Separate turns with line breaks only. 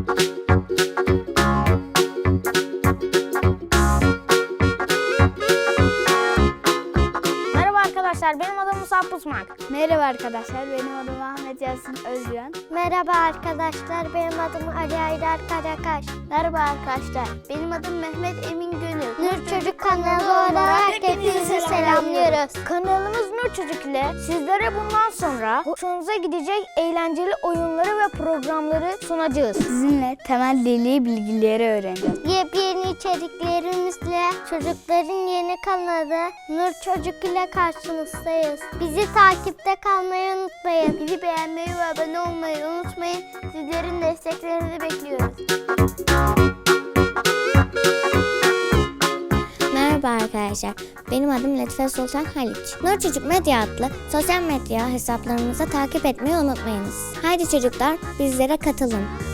Merhaba arkadaşlar, benim adım Musab Pusmak.
Merhaba arkadaşlar, benim adım Ahmet Yasin Özcan.
Merhaba arkadaşlar, benim adım Ali Aydar Karakaş.
Merhaba arkadaşlar, benim adım Mehmet Emin Gönül.
Nur Çocuk kanalı olarak hepinizi selamlıyoruz.
Kanalımız Nur Çocuk ile sizlere bundan sonra hoşunuza gidecek eğlenceli oyunları ve programları sunacağız.
Sizinle temel dili bilgileri öğreneceğiz.
Yepyeni içeriklerimizle çocukların yeni kanalı Nur Çocuk ile karşınızdayız. Bizi takipte kalmayı unutmayın.
Bizi beğenmeyi ve abone olmayı unutmayın. Sizlerin desteklerinizi bekliyoruz.
Merhaba arkadaşlar, benim adım Latife Sultan Haliç. Nur Çocuk Medya adlı sosyal medya hesaplarımızı takip etmeyi unutmayınız. Haydi çocuklar, bizlere katılın.